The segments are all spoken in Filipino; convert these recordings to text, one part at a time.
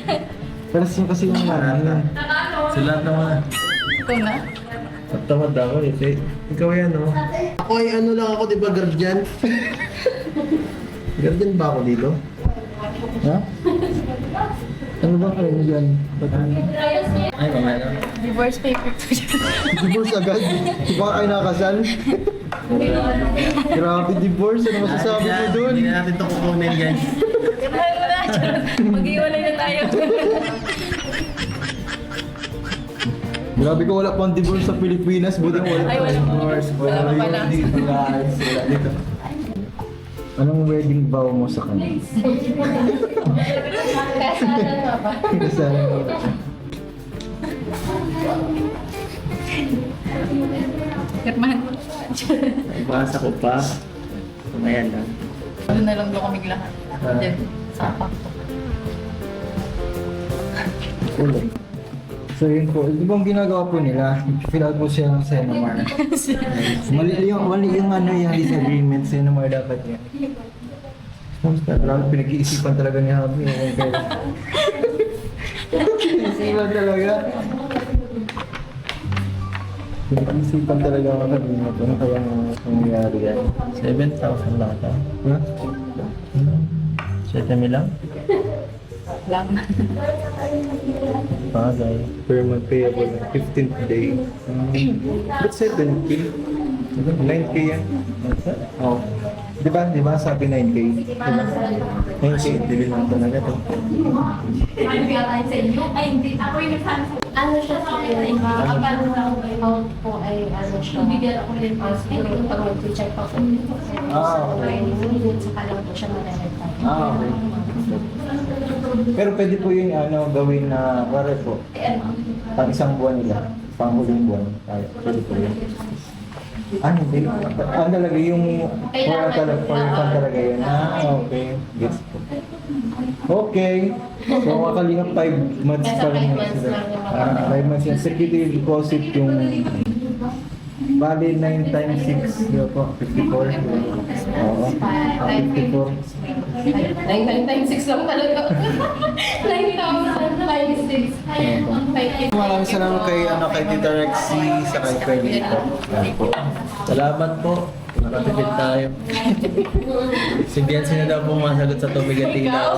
Pero kasi yung ano. Sila naman. Ito na. At tamad ako eh. Ikaw yan, no? Ako ay ano lang ako, di ba, guardian? Guardian ba ako dito? Ha? Ano ba kayo dyan? Ay, mamaya na. Divorce paper to siya. Divorce agad? Di ba kayo nakasal? Grabe divorce, ano masasabi mo doon? Hindi na natin ito kukunin, guys. Mag-iwalay na tayo. Grabe ko, wala pang divorce sa Pilipinas, buti wala Ay, wala pang pa. divorce. Wala pa pala. dito, guys. Wala dito. Anong wedding vow mo sa kanya? Kasalan mo ba? Kasalan mo. Pirmahan mo. Basa ko pa. Ayan lang. Doon na lang doon kami lahat. Diyan, sa pakto. Ulit. So yun po, di ba ang ginagawa po nila? Fill out po siya ng Senomar. mali yung ano yung disagreement, Senomar dapat yan. Parang pinag-iisipan talaga ni Habi. Pinag-iisipan talaga. Pinag-iisipan talaga ako kanina. Ano kaya nangyayari yan? 7,000 lang ito. Ha? 7 mil lang? Lang. Bagay. Per month payable na 15th day. But 7K? 9K yan? Oo. Di ba? Di ba sabi 9K? Diba? 9K, dili lang talaga to. Ano siya sa account po ay ano siya. Siguro pag mag-check pa po. Okay. Yun sa kalang po siya malalagay. Okay. Pero pwede po yung ano, gawin na, pare po, pang isang buwan nila, pang huling buwan. Pwede po yun. Ano, hindi. Ano talaga yung for fun talaga yun. Okay. Gets po. Okay. So, makalingap 5 months pa rin yun sila. 5 months yung security deposit yung bali 9 times 6, di ba po? 54. Oo. 54. 9 times 6 lang talaga. 9,000 times 6. Maraming salamat kay Tita Rexy sa kay Freddy po. Yan po. Salamat po. Nakatipid tayo. Si Biancy na daw pumasagot sa tubig at ilaw.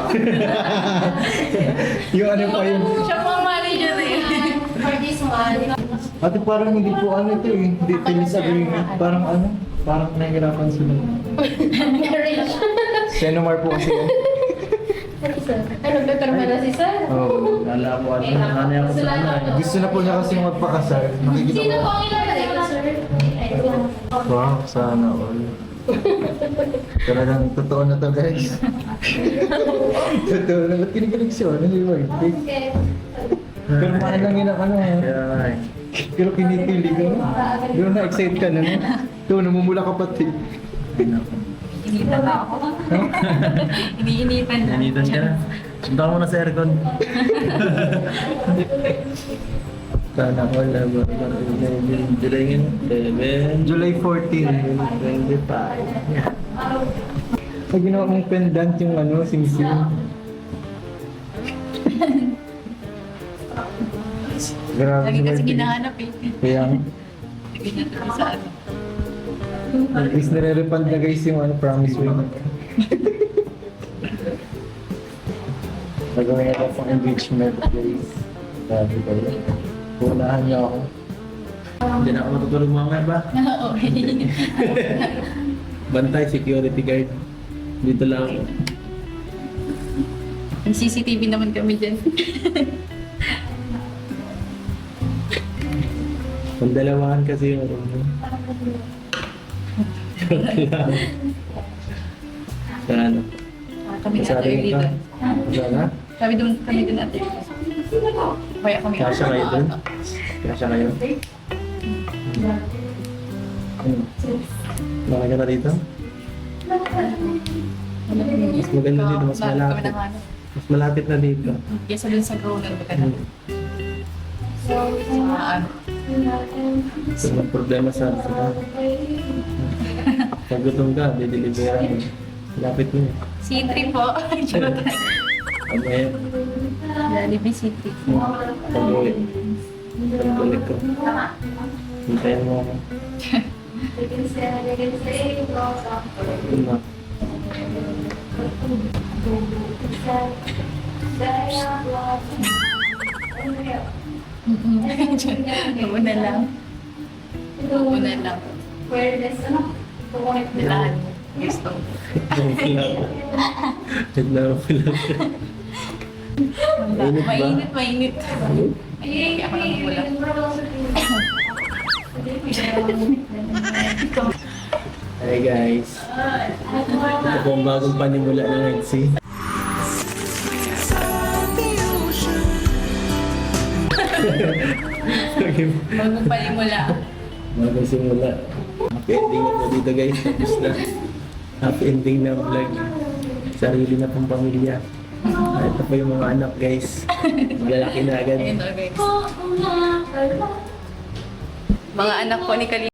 Yung ano pa yun. Siya po ang manager eh. For this one, Ate parang hindi po ano ito eh. Hindi tennis agreement. Parang ano. Parang nahihirapan sila. marriage. Senomar po kasi yan. Ano, nagpapirma na si Sir? Oo. Lala ko ano ako sa ano. Gusto na po niya kasi magpakasal. Makikita Sino ko. po ang ilalagay ko, Sir? Wow, sana all. Talagang totoo na to guys. Totoo na. Ba't kinikilig siya? Ano yung birthday? Okay. Pero mahal lang yun ang ano. Kaya nga eh. Pero kinikilig ka no? Pero na-excite ka na no? Ito, namumula ka pati. Initan na ako. Iniinitan na. Nanitan ka na. Sunta ka muna sa aircon. Sana all na July ngayon. 7. July 14. 25. Pag ginawa mong pendant yung ano, sing-sing. Grabe Lagi si kasi birthday. ginahanap eh. Kaya Lagi na sa ano. at least nare-refund na guys yung ano, promise ring. Nagawin na lang pang engagement guys. Grabe kayo. Punahan niyo ako. Hindi na ako matutulog mamaya ba? Okay. Bantay, security guard. Dito lang ako. May CCTV naman kami dyan. Pandalawahan kasi yung room mo. Sa ano? Kami Sa ate atin dito. ka? Sana? Kami doon ate. Kaya kami. Kasya kayo dun? Kasya kayo? Bakit ka na dito? Mas maganda dito, mas malapit. Mas malapit na dito. Kesa dun sa grounded ba ka na? Sa ano? Kung may problema sa pag gutom ka, dideliveran mo. Lapit mo. C3 po. Charot. Kamaya. Jollibee City. Pag-uwi. Pag-uwi ko. Hintayin mo ako. Yun na. Una lang. Una lang. Nilahan mo. Gusto. Naglaman siya. Mainit ba? Mainit, mainit. Ay, ako nang wala. Hi guys. Ito po ang bagong panimula ng Eggsy. Bago palimula. Bagong simula. Happy ending na po dito guys. Tapos na. Happy ending na vlog. Sarili na pong pamilya. Ito po yung mga anak guys. Maglalaki na agad. Ayun, okay. Mga anak po ni Kalina.